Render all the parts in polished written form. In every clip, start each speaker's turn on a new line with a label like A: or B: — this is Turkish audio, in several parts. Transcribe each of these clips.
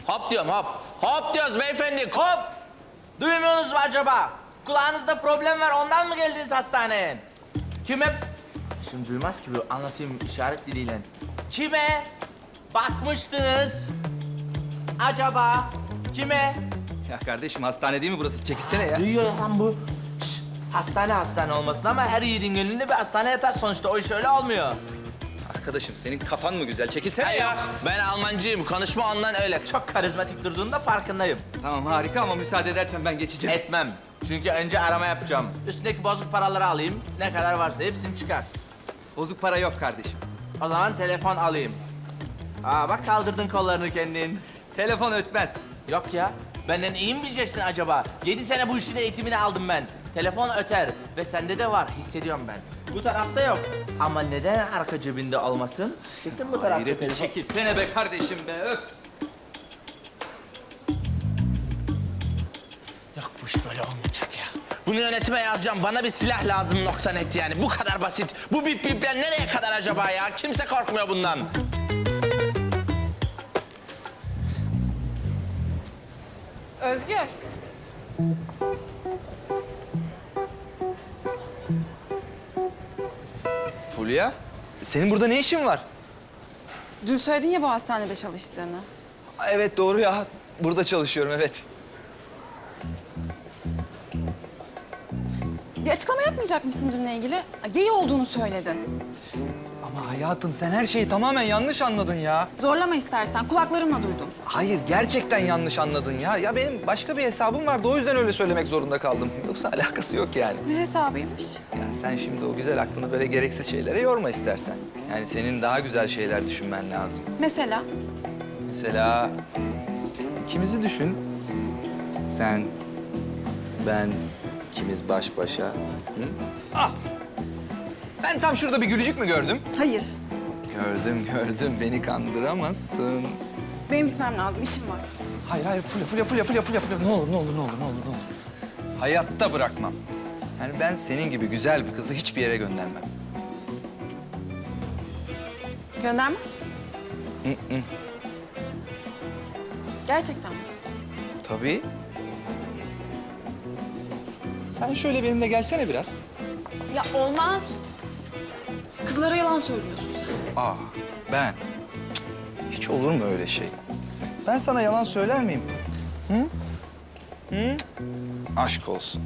A: Hop diyorum hop. Hop diyoruz beyefendi hop. Duymuyorsunuz mu acaba? Kulağınızda problem var ondan mı geldiniz hastaneye? Kime... Şimdi duymaz ki bu anlatayım işaret diliyle. Kime bakmıştınız acaba? Kime?
B: Ya kardeşim hastane değil mi burası? Çekilsene ya.
A: Duyuyor lan bu. Şş, hastane olmasın ama her yiğidin gönlünde bir hastane yatar sonuçta. O iş öyle olmuyor.
B: Arkadaşım senin kafan mı güzel? Çekilsene ya.
A: Ben Almancıyım. Konuşma ondan öyle. Çok karizmatik durduğunda farkındayım.
B: Tamam harika ama müsaade edersen ben geçeceğim.
A: Etmem. Çünkü önce arama yapacağım. Üstündeki bozuk paraları alayım. Ne kadar varsa hepsini çıkar.
B: Bozuk para yok kardeşim.
A: O zaman telefon alayım. Aa bak kaldırdın kollarını kendin.
B: Telefon ötmez.
A: Yok ya. Benden iyi mi bileceksin acaba? 7 sene bu işin eğitimini aldım ben. Telefon öter ve sende de var. Hissediyorum ben. Bu tarafta yok. Ama neden arka cebinde olmasın? Kesin bu tarafta.
B: Hayret
A: telefon.
B: çekilsene be kardeşim be öf.
A: Yok bu iş böyle olmayacak ya. Bunu yönetime yazacağım. Bana bir silah lazım nokta net yani. Bu kadar basit. Bu bip bipler nereye kadar acaba ya? Kimse korkmuyor bundan.
C: Özgür.
B: Fulya, senin burada ne işin var?
C: Dün söyledin ya bu hastanede çalıştığını.
B: Evet doğru ya. Burada çalışıyorum evet.
C: Bir açıklama yapmayacak mısın dünle ilgili? Gay olduğunu söyledin.
B: Ama hayatım sen her şeyi tamamen yanlış anladın ya.
C: Zorlama istersen. Kulaklarımla duydum.
B: Hayır gerçekten yanlış anladın ya. Ya benim başka bir hesabım vardı o yüzden öyle söylemek zorunda kaldım. Yoksa alakası yok yani.
C: Ne hesabıymış?
B: Yani sen şimdi o güzel aklını böyle gereksiz şeylere yorma istersen. Yani senin daha güzel şeyler düşünmen lazım.
C: Mesela?
B: Mesela ikimizi düşün. Sen, ben, ikimiz baş başa. Hı? Ah! Ben tam şurada bir gülücük mü gördüm?
C: Hayır.
B: Gördüm. Beni kandıramazsın.
C: Benim gitmem lazım. İşim var.
B: Hayır. Fulya. Ne olur. Hayatta bırakmam. Yani ben senin gibi güzel bir kızı hiçbir yere göndermem.
C: Göndermez misin? Gerçekten mi?
B: Tabii. Sen şöyle benimle gelsene biraz.
C: Ya olmaz. Kızlara yalan söylüyorsun sen.
B: Ben? Hiç olur mu öyle şey? Ben sana yalan söyler miyim? Hı? Aşk olsun.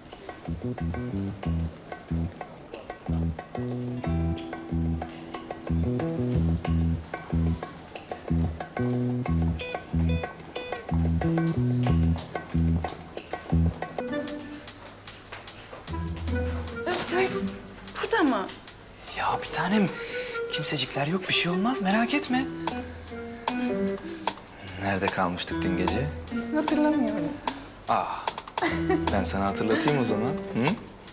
C: Özgür, burada mı?
B: Ya bir tanem, kimsecikler yok, bir şey olmaz. Merak etme. Nerede kalmıştık dün gece?
C: Hatırlamıyorum.
B: Ben sana hatırlatayım o zaman. Hı?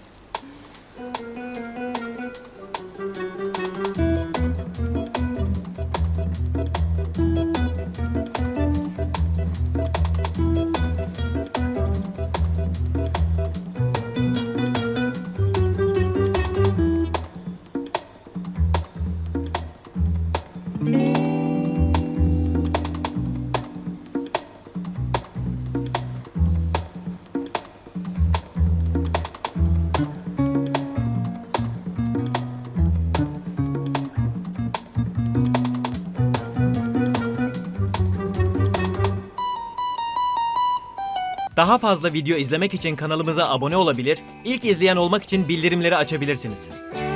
D: Daha fazla video izlemek için kanalımıza abone olabilir, ilk izleyen olmak için bildirimleri açabilirsiniz.